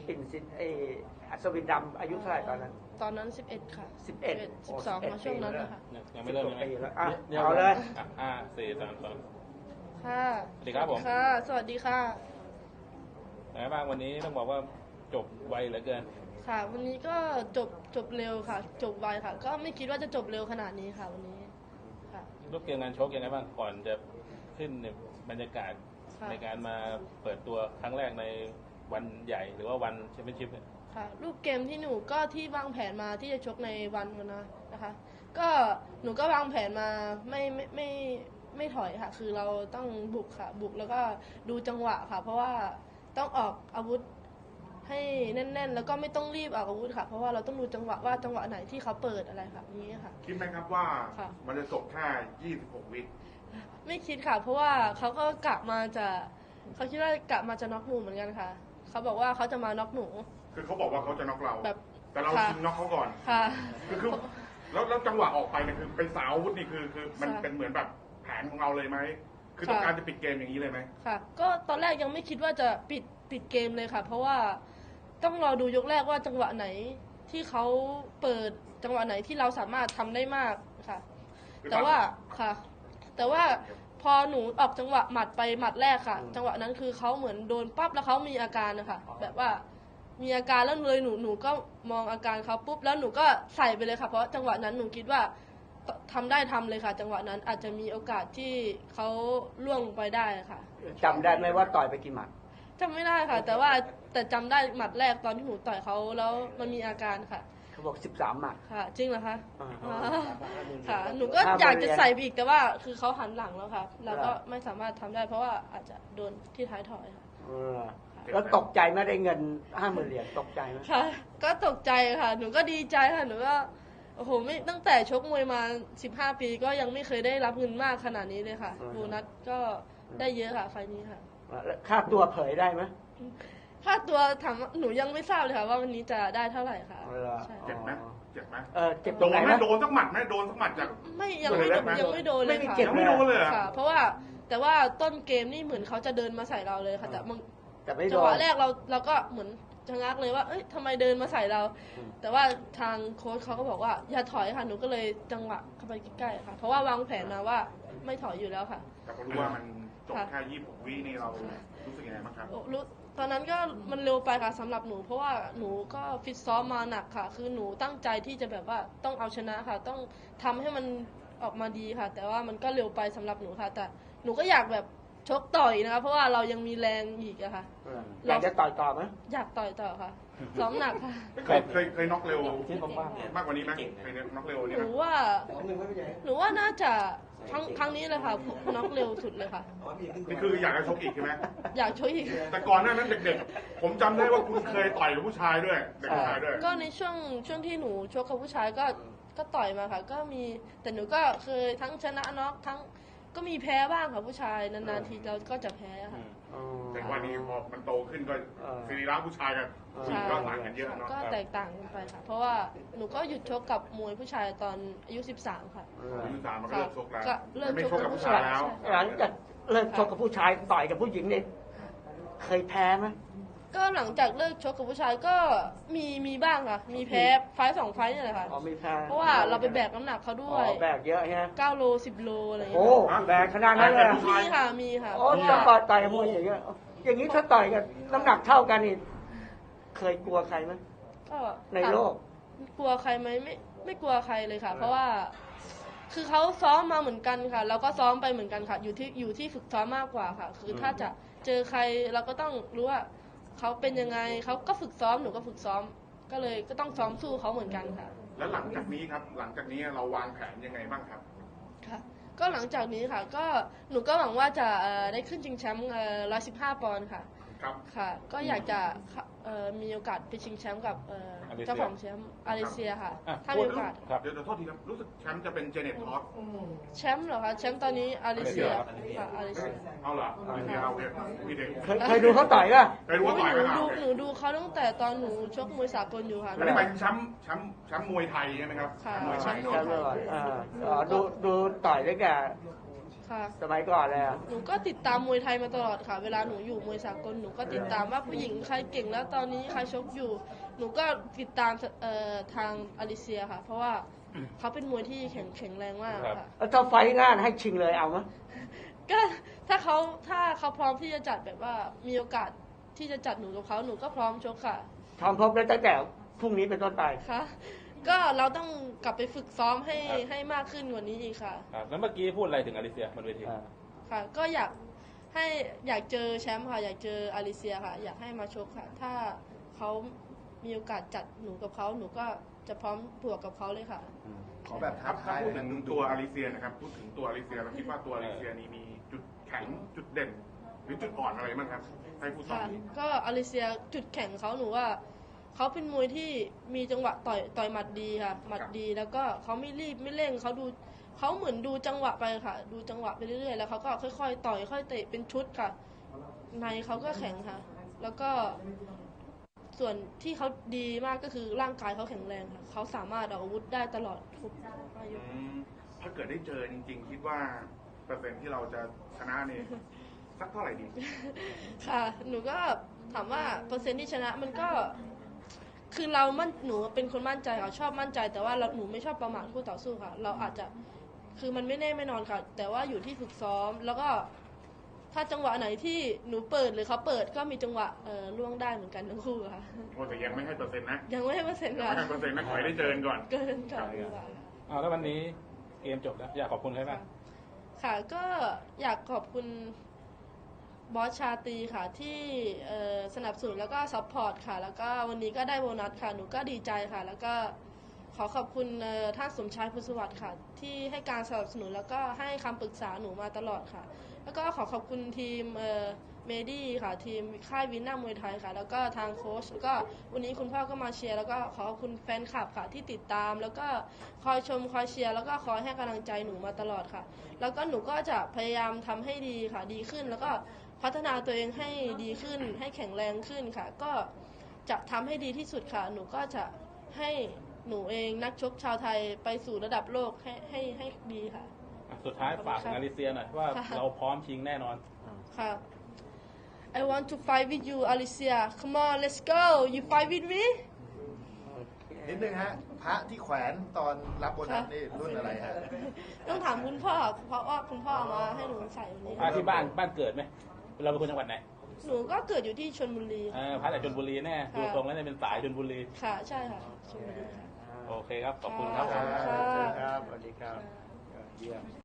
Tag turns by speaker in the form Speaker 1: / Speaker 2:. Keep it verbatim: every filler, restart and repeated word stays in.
Speaker 1: ปิ่นสินไออัศวินดำอายุเท่าไหร่ตอนนั้น
Speaker 2: ตอนนั้นสิบเอ็ดค่ะ
Speaker 1: สิบเอ็ด
Speaker 2: สิบสองมาช่วงนั้นนะคะ
Speaker 3: ยังไม่เริ่มยังไง
Speaker 1: เอาเลย
Speaker 3: ห้าสี่สามสอง
Speaker 2: ค่ะ
Speaker 3: สวัสดีครับผม
Speaker 2: ค่ะสวัสดีค่ะ
Speaker 3: ไหนบ้างวันนี้ต้องบอกว่าจบไวเหลือเกิน
Speaker 2: ค่ะวันนี้ก็จบจบเร็วค่ะจบไวค่ะก็ไม่คิดว่าจะจบเร็วขนาดนี้ค่ะวันนี้ค่ะ
Speaker 3: รูปเกมงานชกยังไงบ้างก่อนจะขึ้นบรรยากาศในการมาเปิดตัวครั้งแรกในวันใหญ่หรือว่าวันแชมเปี้ยนชิพเนี่ย
Speaker 2: ค่ะรูปเกมที่หนูก็ที่วางแผนมาที่จะชกในวันนะนะคะก็หนูก็วางแผนมาไม่ไม่ไม่ไม่ถอยค่ะคือเราต้องบุกค่ะบุกแล้วก็ดูจังหวะค่ะเพราะว่าต้องออกอาวุธให้แน่นๆแล้วก็ไม่ต้องรีบออกอาวุธค่ะเพราะว่าเราต้องดูจังหวะว่าจังหวะไหนที่เขาเปิดอะไรค่ะอย่างนี้ค่ะ
Speaker 4: คิดไหมครับว่ามันจะจบแค่ยี่สิบหกวิ
Speaker 2: ไม่คิดค่ะเพราะว่าเขาก็กะมาจะเขาคิดว่ากะมาจะน็อกหนูเหมือนกันค่ะเขาบอกว่าเขาจะมาน็อกหนู
Speaker 4: คือเขาบอกว่าเขาจะน็อกเราแบบแต่เราชิงน็อกเขาก่อน
Speaker 2: ค่ะ
Speaker 4: คือคือแล้วแล้วจังหวะออกไปเนี่ยคือเป็นสาวอาวุธนี่คือคือมันเป็นเหมือนแบบแผนของเราเลยไหมคือต้องการจะปิดเกมอย่างนี้เลยไหม
Speaker 2: ค่ะก็ตอนแรกยังไม่คิดว่าจะปิดปิดเกมเลยค่ะเพราะว่าต้องรอดูยกแรกว่าจังหวะไหนที่เขาเปิดจังหวะไหนที่เราสามารถทำได้มากค่ะแต่ว่าค่ะแต่ว่าพอหนูออกจังหวะหมัดไปหมัดแรกค่ะจังหวะนั้นคือเขาเหมือนโดนปั๊บแล้วเขามีอาการนะคะแบบว่ามีอาการแล้วเลยหนูหนูก็มองอาการเขาปุ๊บแล้วหนูก็ใส่ไปเลยค่ะเพราะจังหวะนั้นหนูคิดว่าทำได้ทำเลยค่ะจังหวะนั้นอาจจะมีโอกาสที่เขาล่วงลงไปได้ค่ะ
Speaker 1: จำได้ไหมว่าต่อยไปกี่หมัด
Speaker 2: จำไม่ได้ค่ะแต่ว่าแต่จำได้หมัดแรกตอนที่หนูต่อยเขาแล้วมันมีอาการค่ะ
Speaker 1: เขาบอกสิบสามหมัด
Speaker 2: ค่ะจริงเหรอคะค่ะหนูก็อยากจะใส่อีกแต่ว่าคือเขาหันหลังแล้วค่ะเราก็ไม่สามารถทำได้เพราะว่าอาจจะโดนที่ท้ายถอยค่ะ
Speaker 1: แล้วตกใจไม่ได้เงินห้าหมื่นเหรียญตกใจไหม
Speaker 2: ค่ะก็ตกใจค่ะหนูก็ดีใจค่ะหนูก็โอ้โหไม่ตั้งแต่ชกมวยมาสิบห้าปีก็ยังไม่เคยได้รับเงินมากขนาดนี้เลยค่ะโบนัสก็ได้เยอะค่ะไฟนี้ค่ะ
Speaker 1: ค่าตัวเผยได้ไหม
Speaker 2: ค่าตัวถามหนูยังไม่ทราบเลยค่ะว่าวันนี้จะได้เท่าไหร่ค่ะ
Speaker 4: เจ็บไหมเจ็บไหม
Speaker 1: เออเจ็บตรงไหน
Speaker 4: นะโดนสักหมัดไหมโดนสักหมัดจาก
Speaker 2: ไม่ยังไม่ยังไม่โดนเลยค่ะ
Speaker 4: ยังไม่โดนเลย
Speaker 2: ค่ะเพราะว่าแต่ว่าต้นเกมนี่เหมือนเขาจะเดินมาใส่เราเลยค่ะแต่มึง
Speaker 1: จั
Speaker 2: งหวะแรกเราเราก็เหมือนชะงักเลยว่าเอ้ยทำไมเดินมาใส่เรา แต่ว่าทางโค้ชเขาก็บอกว่าอย่าถอยค่ะหนูก็เลยจังหวะเข้าไปใกล้ๆค่ะเพราะว่าวางแผนมาว่าไม่ถอยอยู่แล้วค่ะ
Speaker 4: แต่พอรู้ว่ามันจบแค่ยี่สิบหกวินี่เรารู้สึกยังไงบ้างครับ
Speaker 2: รู้ตอนนั้นก็มันเร็วไปค่ะสำหรับหนูเพราะว่าหนูก็ฟิตซ้อมมาหนักค่ะคือหนูตั้งใจที่จะแบบว่าต้องเอาชนะค่ะต้องทำให้มันออกมาดีค่ะแต่ว่ามันก็เร็วไปสำหรับหนูค่ะแต่หนูก็อยากแบบชกต่อยนะคะเพราะว่าเรายังมีแรงอีกอะค่ะ
Speaker 1: อยากจะต่อยต่อไหม
Speaker 2: อยากต่อยต่อค่ะซ้อมหนักค่ะ
Speaker 4: เคยเคยเคยน็อกเร็วมากกว่านี้ไหมเคยน็อกเร็วนี่
Speaker 2: หนูว่าหนูว่าน่าจะครั้งครั้งนี้เลยค่ะน็อกเร็วสุดเลยค่ะ
Speaker 4: นี่คืออยากจะชกอีกใช่ไหม
Speaker 2: อยากชกอีก
Speaker 4: แต่ก่อนหน้านั้นเด็กๆผมจำได้ว่าคุณเคยต่อยกับผู้ชายด้วยเด็กผู้ชายด้วย
Speaker 2: ก็ในช่วงช่วงที่หนูชกกับผู้ชายก็ก็ต่อยมาค่ะก็มีแต่หนูก็เคยทั้งชนะน็อกทั้งก็มีแพ้บ้างค่ะผู้ชายนานๆทีเราก็จะแพ้ค่ะ
Speaker 4: แต่วันนี้พอมันโตขึ้นก็สรีระผู้ชายกับผู้หญิงก็ต่างกันเยอะเนาะ
Speaker 2: ก็แตกต่างกันไปค่ะเพราะว่าหนูก็หยุดชกกับมวยผู้ชายตอนอายุสิบสามค่ะ
Speaker 4: อายุสิบสามมันก็เลิกชกแล้ว
Speaker 2: เลิก
Speaker 4: ชกกับผู้ชายแล้ว
Speaker 1: หลังจากเลิกชกกับผู้ชายต่อยกับผู้หญิงเนี่ยเคยแพ้ไหม
Speaker 2: ก็หลังจากเลิกชกกับผู้ชายก็มีมีบ้างค่ะมีแพ้ไฟสองไฟนี่แหละค่ะ
Speaker 1: อ๋อมีแพ้
Speaker 2: เพราะว่าเราไปแบกน้ำหนักเขาด้วย
Speaker 1: แบกเยอะฮะ
Speaker 2: เก้าโลสิบโลอะไรอย่าง
Speaker 1: เงี้ยโอ้แบกขนาดนั้นเลย
Speaker 2: มีค่ะมีค่ะ
Speaker 1: โอ้จะต่อยต่อยมวยอย่างเงี้ยอย่างนี้ถ้าต่อยกันน้ำหนักเท่ากันนี่เคยกลัวใครไหม
Speaker 2: ก็
Speaker 1: ในโลก
Speaker 2: กลัวใครไหมไม่ไม่กลัวใครเลยค่ะเพราะว่าคือเขาซ้อมมาเหมือนกันค่ะเราก็ซ้อมไปเหมือนกันค่ะอยู่ที่อยู่ที่ฝึกซ้อมมากกว่าค่ะคือถ้าจะเจอใครเราก็ต้องรู้ว่าเขาเป็นยังไงเขาก็ฝึกซ้อมหนูก็ฝึกซ้อมก็เลยก็ต้องซ้อมสู้เขาเหมือนกันค่ะ
Speaker 4: แล้วหลังจากนี้ครับหลังจากนี้เราวางแผนยังไงบ้างครับ
Speaker 2: ค่ะก็หลังจากนี้ค่ะก็หนูก็หวังว่าจะได้ขึ้นชิงแชมป์ร้อยสิบห้าปอนด์ค่ะ
Speaker 4: ครับ
Speaker 2: ค่ะก็อยากจะมีโอกาสไปชิงแชมป์กับเจ้าของแชมป์อาริเซียค่ะถ้ามีโอกาส
Speaker 4: เดี๋ยวโทษทีครับรู้สึกแชมป์จะเป็นเจเน็ตทอส
Speaker 2: แชมป์เหรอคะแชมป์ตอนนี้อาริเซียค่ะอาริเซีย
Speaker 4: เอาเหรออาริเซียเอาเนี่ยพี่เด็ก
Speaker 1: เคยดูเขาต่อยป่ะ
Speaker 4: เคยดูเขาต่อยไหม
Speaker 2: ครับหนูดูเขาตั้งแต่ตอนหนูชกมวยสากลอยู่ค่ะ
Speaker 4: อันนี้หมายถึงแชมป์แชมป์แชมป์มวยไทยใช่ไหมครับ
Speaker 2: ค่ะ
Speaker 4: มวยไทย
Speaker 1: ดูดูดูต่อยด้วยกัน
Speaker 2: ค่ะ
Speaker 1: สมัยก่อนเลยอะ
Speaker 2: หนูก็ติดตามมวยไทยมาตลอดค่ะ เวลาหนูอยู่มวยสากลหนูก็ติดตามว่าผู้หญิงใครเก่งแล้วตอนนี้ใครชกอยู่ หนูก็ติดตามเอ่อทางอลิเซียค่ะ เพราะว่าเขาเป็นมวยที่แข็งแข็งแรงมากค่ะ
Speaker 1: แล้วถ้าไฟท์งานให้ชิงเลยเอาไหม
Speaker 2: ก็ถ้าเขาถ้าเขาพร้อมที่จะจัดแบบว่ามีโอกาสที่จะจัดหนูกับเขาหนูก็พร้อมชกค่ะ
Speaker 1: ทำพบได้ตั้งแต่พรุ่งนี้เป็นต้นไป
Speaker 2: ค่ะก็เราต้องกลับไปฝึกซ้อมให้ให้มากขึ้นกว่านี้อีกค่ะ
Speaker 3: ครับแล้วเมื่อกี้พูดอะไรถึงอลิเซียบนเวที
Speaker 2: ค่ะ ก็อยากให้อยากเจอแชมป์ค่ะ อยากเจออลิเซียค่ะ อยากให้มาชกค่ะ ถ้าเขามีโอกาสจัดหนูกับเขาหนูก็จะพร้อมบวกกับเขาเลยค่ะ
Speaker 5: ขอแบบ
Speaker 4: ค
Speaker 5: ท้า
Speaker 4: รับ
Speaker 5: ทาย
Speaker 4: พูด
Speaker 5: แบ
Speaker 4: ถึ
Speaker 5: บ
Speaker 4: ง
Speaker 5: ดุ
Speaker 4: ตัว
Speaker 5: ๆ
Speaker 4: อลิเซียนะครับพูดถึงตัวอลิเซียเราคิดว่าตัวอลิเซียนี้มีจุดแข็งจุดเด่น หรือจุดอ่อนอะไรบ้างครับให้ผู้สอ
Speaker 2: ค่ะ
Speaker 4: น
Speaker 2: ก็อลิเซียจุดแข็งเขาหนูว่าเขาเป็นมวยที่มีจังหวะต่อยต่อยหมัดดีค่ะหมัดดีแล้วก็เขาไม่รีบไม่เร่งเขาดูเขาเหมือนดูจังหวะไปค่ะ ดูจังหวะไปเรื่อยๆแล้วเขาก็ค่อยๆต่อยค่อยเตะเป็นชุดค่ะ ในเขาก็แข็งค่ะ แล้วก็ส่วนที่เขาดีมากก็คือร่างกายเขาแข็งแรงค่ะเขาสามารถออกอาวุธได้ตลอดทุกอายุ
Speaker 4: อืมถ้าเกิดได้เจอจริง ๆ คิดว่าเปอร์เซ็นต์ที่เราจะชนะนี่สักเท่าไหร่ดี
Speaker 2: ค่ะ หนูก็ถามว่าเปอร์เซ็นต์ที่ชนะมันก็ คือเรามั่นหนูเป็นคนมั่นใจค่ะชอบมั่นใจ แต่ว่าเราหนูไม่ชอบประมาทคู่ต่อสู้ค่ะ เราอาจจะคือมันไม่แน่ไม่นอนค่ะ แต่ว่าอยู่ที่ฝึกซ้อม แล้วก็ถ้าจังหวะไหนที่หนูเปิดหรือเขาเปิดก็มีจังหวะเอ่อล่วงได้เหมือนกันทั้งคู่ค่ะ
Speaker 4: โอ้แต่ยังไม่ให้เปอร์เซ็นต์นะ
Speaker 2: ยังไม่ให้เปอร์เซ็นต์
Speaker 4: ยัง
Speaker 2: ค่ะ
Speaker 4: ไม่ให้เปอร์เซ็นต์นะขอให้ได้เจอกันก่อน
Speaker 2: เกินก่อนดีกว่าค่ะ
Speaker 3: อ้าวแล้ววันนี้เกมจบแล้วอยากขอบคุณใครบ้าง
Speaker 2: ค่ะก็อยากขอบคุณบอสชาตรีค่ะที่เอ่อสนับสนุนแล้วก็ซัพพอร์ตค่ะ แล้วก็วันนี้ก็ได้โบนัสค่ะหนูก็ดีใจค่ะ แล้วก็ขอขอบคุณเอ่อท่านสมชายพุทธสวัสดิ์ค่ะ ที่ให้การสนับสนุนแล้วก็ให้คำปรึกษาหนูมาตลอดค่ะ แล้วก็ขอขอบคุณทีมเอ่อเมดี้ค่ะทีมค่ายวินหน้ามวยไทยค่ะ แล้วก็ทางโค้ชแล้วก็วันนี้คุณพ่อก็มาเชียร์แล้วก็ขอขอบคุณแฟนคลับค่ะที่ติดตาม แล้วก็คอยชมคอยเชียร์แล้วก็คอยให้กำลังใจหนูมาตลอดค่ะ แล้วก็หนูก็จะพยายามทำให้ดีค่ะดีขึ้น แล้วก็พัฒนาตัวเองให้ดีขึ้น ให้แข็งแรงขึ้นค่ะ ก็จะทำให้ดีที่สุดค่ะ หนูก็จะให้หนูเองนักชกชาวไทยไปสู่ระดับโลกให้ให้ให้ดีค่ะ
Speaker 3: อ่ะสุดท้ายฝากถึงอลิเซียหน่อยว่า
Speaker 2: ค่ะ
Speaker 3: เราพร้อมชิงแน่นอน
Speaker 2: ค่ะ I want to fight with you Alicia come on let's go you fight with me
Speaker 5: นิดนึงฮะ พระที่แขวนตอนรับโบนัสนี่รุ่นอะไรฮะ
Speaker 2: ต้องถามคุณพ่อ เพราะว่าคุณพ่อเอามาให้หนูใส่วันนี้
Speaker 3: อ่ะที่บ้านบ้านเกิดไหมเราเป็นคนจังหวัดไหน
Speaker 2: หนูก็เกิดอยู่ที่ชลบุรี
Speaker 3: เออพระจากชลบุรีแน่ดูตรงแล้วเนี่ยเป็นสายชลบุรี
Speaker 2: ค่ะ ใช่ค่ะชลบุรีค่ะ
Speaker 3: โอเคครับ ขอบคุณครับผม
Speaker 2: ค่ะ
Speaker 1: ครับสวัสดีครับเยี่ยม